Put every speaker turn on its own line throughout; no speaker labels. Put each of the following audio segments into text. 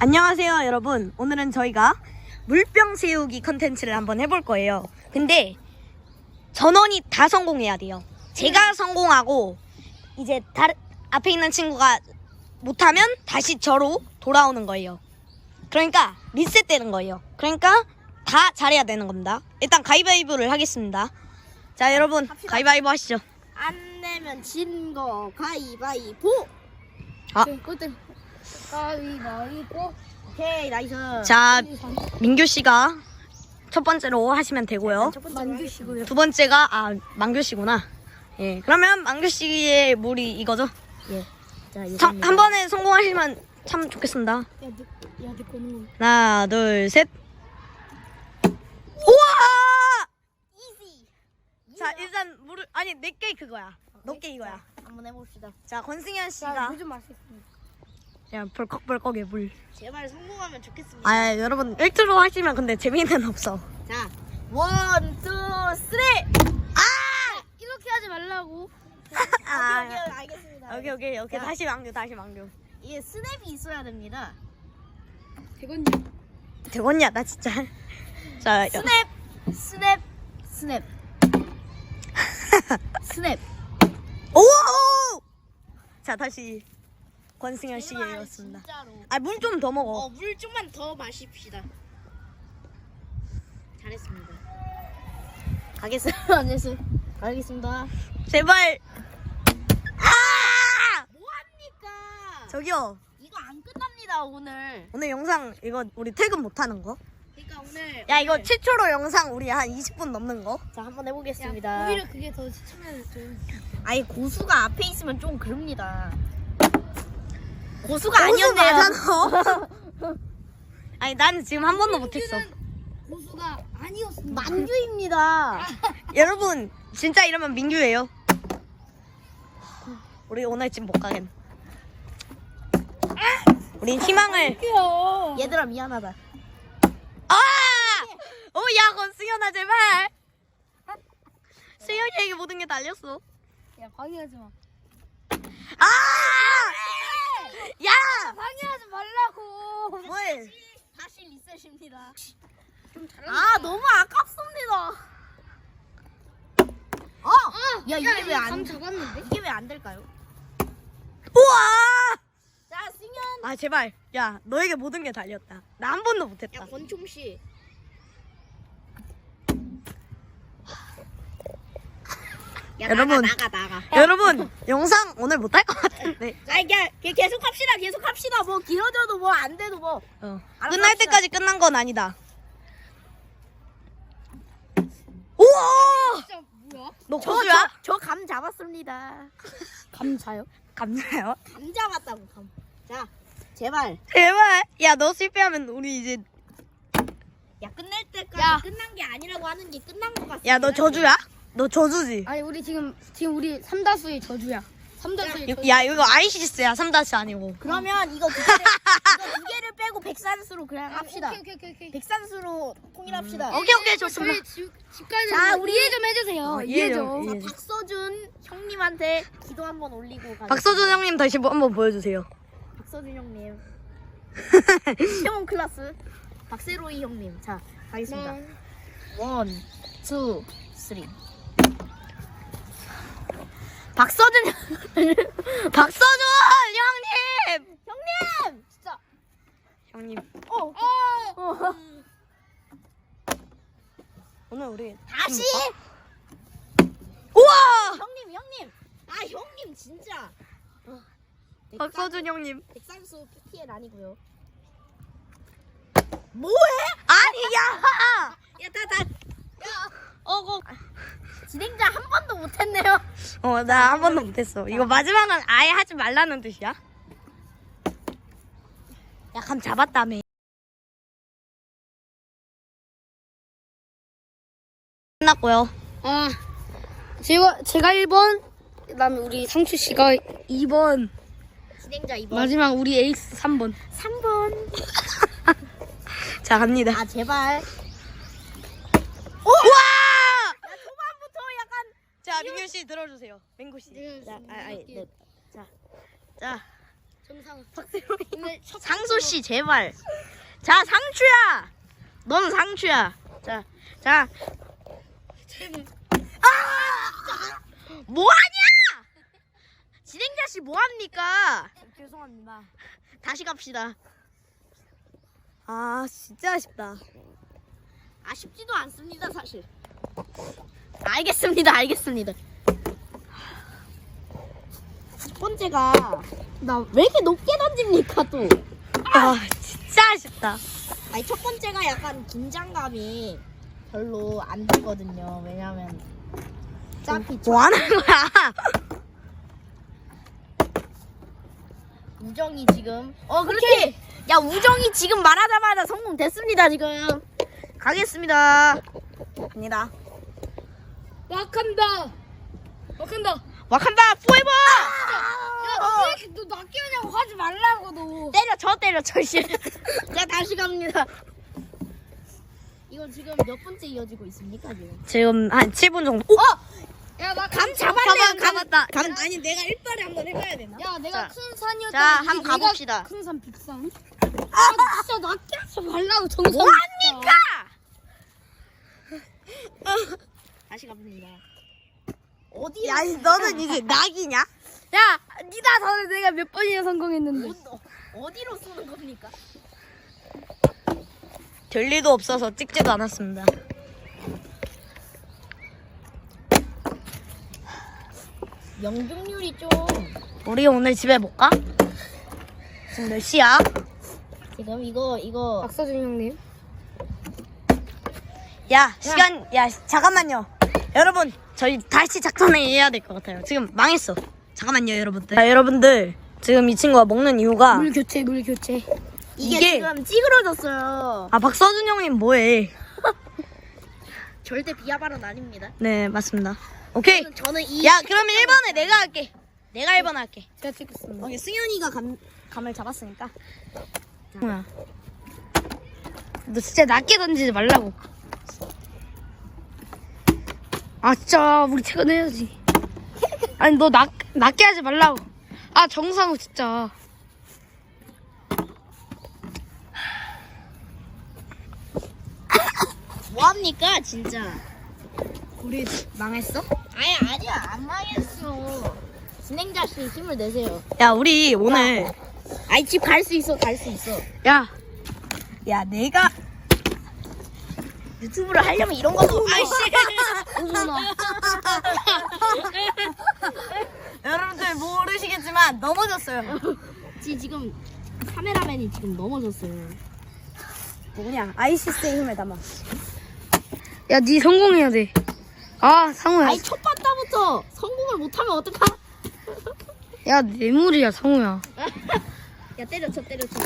안녕하세요 여러분. 오늘은 저희가 물병 세우기 컨텐츠를 한번 해볼 거예요. 근데 전원이 다 성공해야 돼요. 제가 성공하고 이제 앞에 있는 친구가 못하면 다시 저로 돌아오는 거예요. 그러니까 리셋되는 거예요. 그러니까 다 잘해야 되는 겁니다. 일단 가위바위보를 하겠습니다. 자 여러분
합시다.
가위바위보 하시죠.
안 내면 진 거 가위바위보.
아.
꼴등. 가위바위보. 오케이 나이스.
자 민규씨가 첫 번째로 하시면 되고요.
만주시고요.
두 번째가 만규씨구나. 예, 그러면 만규씨의 물이 이거죠?
예. 자
한 번에 성공하시면 참 좋겠습니다.
내 거는
하나, 둘, 셋. 우와!
이지.
자, 일단 물을 내게 그거야. 너게 이거야.
한번 해봅시다.
자, 권승현 씨가
좀 마시겠습니다.
그냥 벌컥벌컥의 물.
제발 성공하면 좋겠습니다.
아, 여러분 1투로 하시면 근데 재미는 없어.
자, 원, 투, 쓰리. 이렇게 하지 말라고. 오케이, 알겠습니다.
오케이.
자.
다시 망교.
이게 스냅이 있어야 됩니다.
되겠냐, 나 진짜. 자,
스냅. 스냅.
오! 자, 다시 권승현 씨였습니다.
진짜로.
물 좀 더 먹어.
물 좀만 더 마십시다. 잘했습니다. 가겠습니다.
제발.
뭐합니까?
저기요.
이거 안 끝납니다 오늘.
오늘 영상 이거 우리 퇴근 못 하는 거?
그러니까 오늘.
야, 이거 최초로 영상 우리 한 20분 넘는 거?
자 한번 해보겠습니다.
오히려 그게 더 시청률 좀.
아니 고수가 앞에 있으면 좀 그럽니다. 고수가
고수
아니었네요.
맞아, 너. 아니, 나는 지금 한 번도 못 했어.
고수가 아니었습니다.
만주입니다.
여러분, 진짜 이러면 민규예요. 우리 오늘 집 못 가겠네. 우린 희망을.
얘들아 미안하다.
야, 권승현아, 제발. 승현이에게 모든 게 달렸어.
야 방해하지 마.
야!
방해하지 말라고.
뭘?
다시 리셋입니다.
좀 잘한다.
너무 아깝습니다. 야 이게 왜 안
잡았는데?
이게 왜 안 될까요?
우와!
자 승현.
제발. 야, 너에게 모든 게 달렸다. 나 한 번도 못 했다.
야 권총 씨. 야,
여러분.
나가.
여러분, 영상 오늘 못 할 것 같은데.
계속 합시다. 뭐 길어져도 뭐 안 돼도 뭐. 알아서
끝날
합시다.
때까지 끝난 건 아니다. 우와!
진짜 뭐야?
너 고수야?
저 감 잡았습니다.
감자요?
감사해요.
감 잡았다고 감. 자 제발.
제발. 야, 너 실패하면 우리 이제.
야 끝날 때까지
야.
끝난 게 아니라고 하는 게 끝난 것 같습니다.
야, 너 저주야? 너 저주지?
아니 우리 지금 우리 삼다수의 저주야. 삼다수의 저주.
야, 이거 아이시스야. 3다시 아니고.
그러면 이거 두 개를 빼고 백산수로 그냥 합시다.
오케이.
백산수로 통일합시다.
오케이, 좋습니다.
저희 집 가야
자,
되는데
우리
이해 좀 해주세요.
이해
이해
좀,
좀.
이해.
자, 박서준 형님한테 기도 한번 올리고 가겠습니다.
박서준 형님 다시 한번 보여주세요.
박서준 형님. 시험 클래스. 박세로이 형님. 자, 가겠습니다. 원, 투, 쓰리. 박서준
박서준 형님!
형님! 진짜.
형님,
어.
오늘 우리.
다시.
우와!
형님. 형님 진짜.
박서준 형님.
백산수 PPL 아니고요.
아니야!
진행자 한 번도 못했네요.
나 한 번도 못했어. 이거 마지막은 아예 하지 말라는 뜻이야? 야, 감 잡았다며. 끝났고요.
제가 1번, 그다음에 우리 상추 씨가 2번,
진행자 2번.
마지막 우리 에이스 3번.
3번.
자, 갑니다.
제발.
우와!
초반부터 약간.
자, 민규 씨 들어주세요. 민구 씨.
네. 자.
정상.
오늘 첫
상수 씨 제발. 자 상추야. 넌 상추야. 자. 뭐하냐? 진행자 씨 뭐합니까?
죄송합니다.
다시 갑시다.
아 진짜 아쉽다. 아쉽지도 않습니다 사실. 알겠습니다. 첫 번째가 나 왜 이렇게 높게 던집니까 또?
아 진짜 아쉽다.
아니 첫 번째가 약간 긴장감이 별로 안 들거든요. 왜냐면 어차피
뭐 하는 거야?
우정이 지금 그렇지. 야 우정이 지금 말하자마자 성공됐습니다 지금.
가겠습니다. 갑니다.
wakanda.
와칸다 포에버.
야, 너 낮게 하냐고 하지 말라고 너.
때려 씨.
자 다시 갑니다. 이거 지금 몇 번째 이어지고 있습니까 지금?
지금 한 7분 정도.
야, 나
감 잡았네요.
잡았다.
아니 내가 일발에 한번 해봐야 되나?
야, 내가
자,
큰 산이었다.
자, 한번 가봅시다.
큰 산, 빅산. 아, 진짜 낮게 하지 말라고 정상.
뭐합니까?
다시 갑니다. 어디?
야, 너는 이게 낙이냐?
야, 니다 전에 내가 몇 번이나 성공했는데.
어디로 쏘는 겁니까?
될 일도 없어서 찍지도 않았습니다.
명중률이 좀
우리 오늘 집에 못 가? 지금 몇 시야?
지금 이거
박서준 형님.
야, 시간, 야, 잠깐만요. 여러분, 저희 다시 작전을 해야 될 것 같아요. 지금 망했어. 잠깐만요, 여러분들. 자, 여러분들. 지금 이 친구가 먹는 이유가.
물 교체.
이게 지금 찌그러졌어요.
아, 박서준 형님 뭐해?
절대 비하 발언 아닙니다.
네, 맞습니다. 오케이.
저는 이
야, 그러면 1번에 내가 할게. 내가 1번 할게.
제가 찍겠습니다.
승현이가 감을 잡았으니까.
뭐야? 너 진짜 낮게 던지지 말라고. 아, 진짜 우리 퇴근해야지. 아니, 너 낮게 하지 말라고. 아, 정상우 진짜.
뭐합니까 진짜?
우리 망했어?
아니야 안 망했어. 진행자 씨 힘을 내세요.
야, 우리 오늘.
아이 집 갈 수 있어.
야. 야, 내가.
유튜브를 하려면 이런 거도 아이씨.
여러분들 모르시겠지만 넘어졌어요.
지금 카메라맨이 지금 넘어졌어요.
뭐냐? 아이시스의 힘을 담아.
야, 니 성공해야 돼. 아, 상우야.
아니 첫 바다부터 성공을 못하면 어떡하?
야, 뇌물이야, 상우야.
야 때려쳐.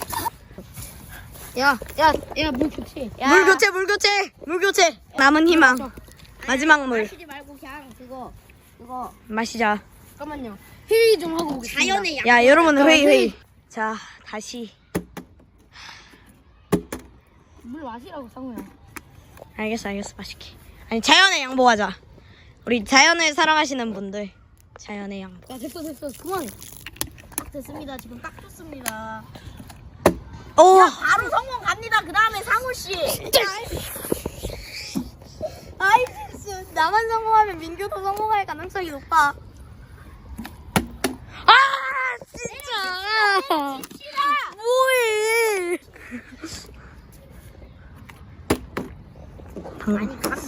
야, 물 교체.
물 교체. 남은 희망. 마지막 물.
마시지 말고 그냥 그거
마시자.
잠깐만요. 회의 좀 하고 오겠습니다.
자연의 양.
야, 여러분 회의. 자, 다시.
물 마시라고, 상우야.
알겠어. 맛있게. 아니, 자연에 양보하자. 우리 자연을 사랑하시는 분들. 자연의 양보.
야, 됐어. 그만해.
됐습니다. 지금 딱 좋습니다.
오!
바로 성공 갑니다. 그 다음에 상우 씨.
아이시스. 나만 성공하면 민규도 성공할 가능성이 높아. 아! 진짜! 뭐해!
아니 감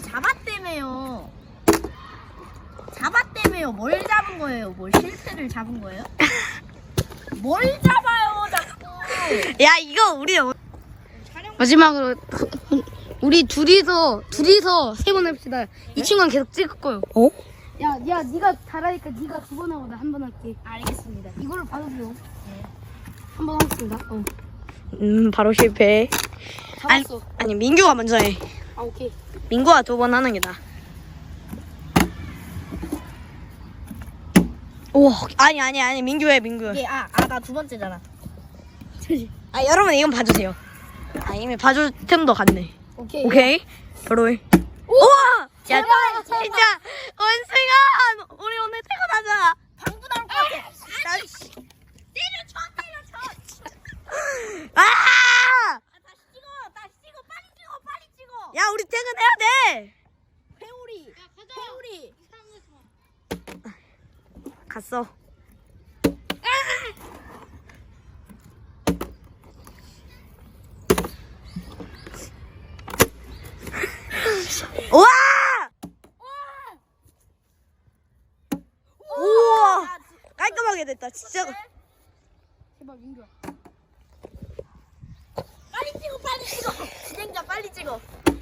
잡았다며요. 뭘 잡은 거예요? 뭘 실패를 잡은 거예요? 뭘 잡아요 자꾸.
야, 이거 우리
마지막으로 우리 둘이서 3번 합시다. 이 친구는 계속 찍을 거요.
어?
야, 네가 잘하니까 네가 2번 하고 나 한 번 할게.
알겠습니다.
이거를 받아줘요. 한 번 하겠습니다.
바로 실패.
잡았어.
아니, 민규가 먼저 해.
아, 오케이.
민구가 2번 하는 게 나아. 오, 아니, 민규 해.
이게 나 두 번째잖아.
아, 여러분 이건 봐주세요. 아, 이미 봐줄 틈도 갔네. 오케이. 바로 해. 우와! 야, 진짜 원승아, 우리 오늘 퇴근하자.
방구 나올 것 같아.
야, 씨.
때려쳐.
아!
다시 찍어, 빨리 찍어.
야, 우리 퇴근해야 돼.
회오리.
가자.
회오리.
갔어. 우와! 우와! 깔끔하게 됐다. 진짜.
제발 민규야.
빨리 찍어. 진행자 빨리 찍어.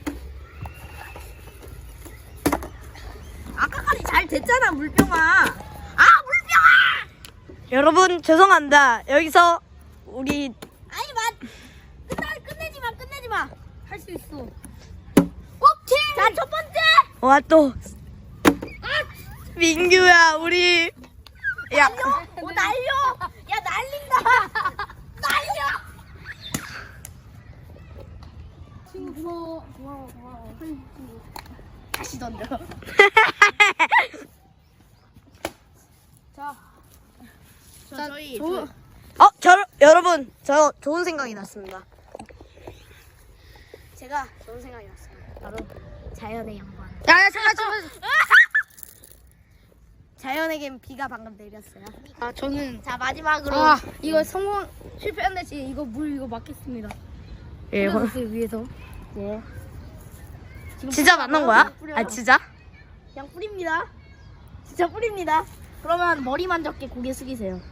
아까까지 잘 됐잖아, 물병아. 아, 물병아!
여러분 죄송합니다. 여기서 우리
아니, 끝내지 마.
할 수 있어.
오케이. 자, 첫 번째.
와 또 민규야 우리 야
날려. 야, 날린다. 날려.
친구 고마워.
다시 던져.
자,
저희
여러분 저 좋은 생각이 났습니다. 제가 좋은 생각이 났습니다. 바로 자연의 양반.
야, 잠깐.
자연에겐 비가 방금 내렸어요.
아, 저는
자, 마지막으로.
이거 성공 실패한데 지금 이거 물 이거 막겠습니다.
예,
뿌려줬어요, 위에서.
예. 진짜 맞는 거야? 아 진짜?
그냥 뿌립니다. 진짜 뿌립니다. 그러면 머리만 적게 고개 숙이세요.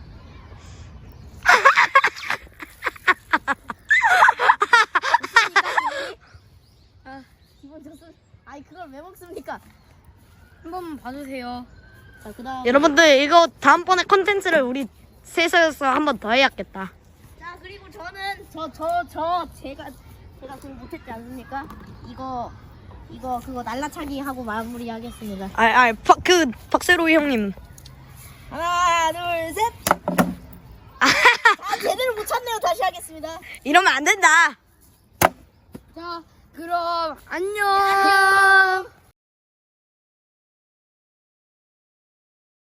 아,
기분 좋습. 아니, 그걸 왜 먹습니까?
한 번만 봐주세요.
자, 그다음.
여러분들 이거 다음번에 컨텐츠를 우리 셋이서 한 번 더 해야겠다.
자, 그리고 저는 제가 그거 못했지 않습니까? 그거 날라차기 하고 마무리하겠습니다.
박세로이 형님.
하나, 둘, 셋. 아, 제대로 못 쳤네요. 다시 하겠습니다.
이러면 안 된다.
자, 그럼 안녕.